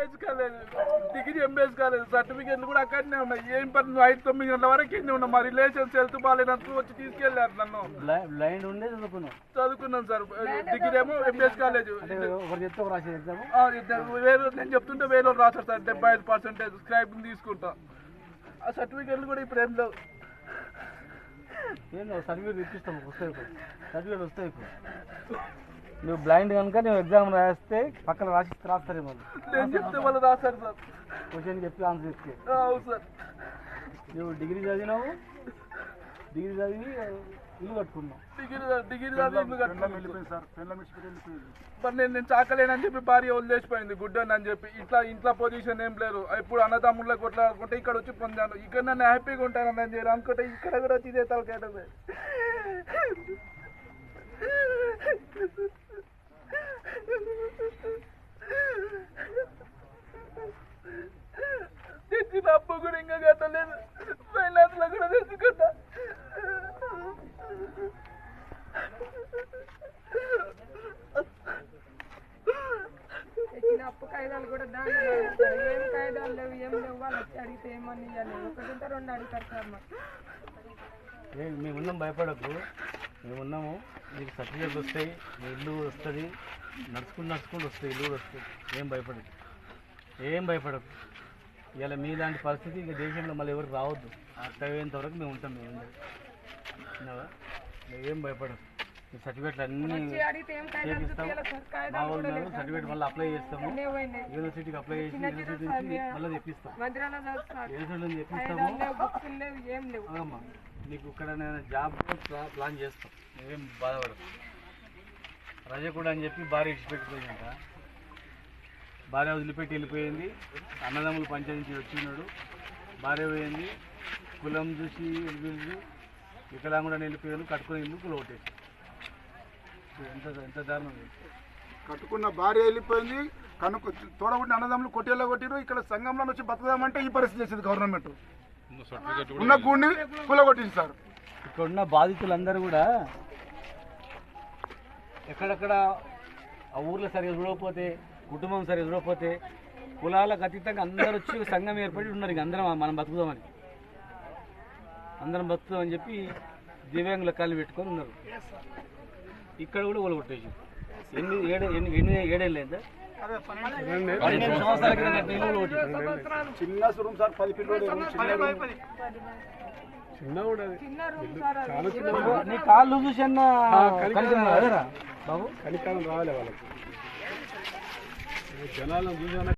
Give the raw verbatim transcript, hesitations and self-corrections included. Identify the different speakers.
Speaker 1: MBBS కాలేదు, degree MBS కాలేదు, సర్టిఫికేట్లు కూడా అక్కడనే ఉన్నాయి. ఏం పని నువ్వు ఐదు తొమ్మిది గంటల వరకు ఎన్ని ఉన్నా మా రిలేషన్స్ హెల్త్ బాగాలేనందుకు వచ్చి తీసుకెళ్ళారు నన్ను.
Speaker 2: బ్లైండ్ ఉండే చదువుకున్నాం
Speaker 1: చదువుకున్నాను సార్, డిగ్రీ ఏమో ఎంబీఎస్ కాలేజ్. వేరే నేను చెప్తుంటే వేరే రాశారు సార్ డెబ్బై ఐదు పర్సెంటేజ్ స్క్రైబ్ తీసుకుంటా. ఆ సర్టిఫికేట్లు కూడా ఇప్పుడు ఏం లేవు.
Speaker 2: ఏం లేవు సర్టిఫికేట్ ఇప్పిస్తాము, వస్తాయి ఇప్పుడు సర్టిఫికేట్ వస్తాయి. ఇప్పుడు నువ్వు బ్లైండ్ కనుక నువ్వు ఎగ్జామ్ రాస్తే పక్కన రాసి రాస్తారు. మళ్ళీ
Speaker 1: నేను చెప్తే వాళ్ళు రాశారు సార్,
Speaker 2: క్వశ్చన్ చెప్పి ఆన్సర్ ఇస్తే.
Speaker 1: అవును సార్.
Speaker 2: నువ్వు డిగ్రీ చదివినావు, డిగ్రీ చదివి ఇల్లు కట్టుకున్నావు.
Speaker 1: డిగ్రీ డిగ్రీ చదివి ఇల్లు కట్టుకున్నాను సార్. మరి నేను నేను చాకలేనని చెప్పి భార్య వదిలేసిపోయింది గుడ్డని అని చెప్పి. ఇట్లా ఇంట్లో పొజిషన్ ఏం లేదు, ఎప్పుడు అన్నదమ్ముళ్ళ కొట్లాడుకుంటే ఇక్కడ వచ్చి పొందాను. ఇక్కడ నన్ను హ్యాపీగా ఉంటానని నేను చేయాలి అనుకుంటే ఇక్కడ కూడా వచ్చి ఇదే తలకేటది. తెచ్చిన అప్పు కూడా ఇంకా కట్టలేదు, ఫైనాన్స్ లో కూడా తెచ్చుకుంటా.
Speaker 3: తెచ్చిన అప్పు కాయిదాలు కూడా దాంట్లో ఏం కాయిదాలు లేవు, ఏం లేవు. వాళ్ళు వచ్చి అడిగితే ఏమని ఇవ్వాలి, ఒకటి రెండు అడుగుతారు సార్. మాకు
Speaker 2: మేము ఉన్నాం, భయపడకు. మేము ఉన్నాము, నీకు సర్టిఫికేట్లు వస్తాయి, మీ ఇల్లు వస్తుంది, నడుచుకుంటూ నడుచుకుంటూ వస్తాయి, ఇల్లు కూడా వస్తుంది. ఏం భయపడకు, ఏం భయపడకు. ఇలా మీలాంటి పరిస్థితి ఇక దేశంలో మళ్ళీ ఎవరికి రావద్దు. అర్థమయ్యేంత వరకు మేము ఉంటాం. మేము ఉండదు, ఏం భయపడకు. ఈ సర్టిఫికేట్లు అన్నీ చేపిస్తాము. మా వాళ్ళు మేము సర్టిఫికేట్ మళ్ళీ అప్లై చేస్తాము, యూనివర్సిటీకి అప్లై చేసి యూనివర్సిటీ నుంచి మళ్ళీ తెప్పిస్తాం. యూనివర్సిటీ తెప్పిస్తాము. అమ్మా నీకు ఇక్కడ నేను జాబ్ ప్లాన్ చేస్తాం, ఏం బాధపడదు. రజ కూడా అని చెప్పి భార్య విడిచిపెట్టిపోయిందంట. భార్య వదిలిపెట్టి వెళ్ళిపోయింది. అన్నదమ్ములు పంచాయతీ వచ్చినాడు, భార్య పోయింది. కులం చూసి వెళ్ళిపోయింది, వికలాంగుడని వెళ్ళిపోయాను, కట్టుకుని ఇల్లు కుల కొట్టేసి. ఎంత ఎంత దారుణం.
Speaker 4: కట్టుకున్న భార్య వెళ్ళిపోయింది, కనుక తోడబుట్టిన అన్నదమ్ములు కొట్టేలా కొట్టిరు. ఇక్కడ సంఘంలో వచ్చి బతకదామంటే ఈ పరిస్థితి చేసేది గవర్నమెంట్. ఉన్న గూడిని కూలగొట్టింది సార్.
Speaker 2: ఇక్కడ ఉన్న బాధితులందరూ కూడా ఎక్కడెక్కడ ఆ ఊర్లో సరిగా చూడకపోతే, కుటుంబం సరిగా చూడకపోతే, కులాలకు అతీతంగా అందరూ వచ్చి సంఘం ఏర్పడి ఉన్నారు. ఇక అందరం మనం బతుకుదామని, అందరం బతుకుదామని చెప్పి దివ్యాంగుల కాళ్ళు పెట్టుకొని ఉన్నారు. ఇక్కడ కూడా కూలగొట్టేసి ఎన్ని ఏడు ఎన్ని ఎన్ని ఏడేళ్ళు అయిందా? పన్నెండు సంవత్సరాల క్రితం
Speaker 4: చిన్న సురం సార్, పది పిల్లలు.
Speaker 2: నీ కాళ్ళు చూసి అన్న బాబు
Speaker 4: కలికాలం రావాలి వాళ్ళకి, జనాలను చూసి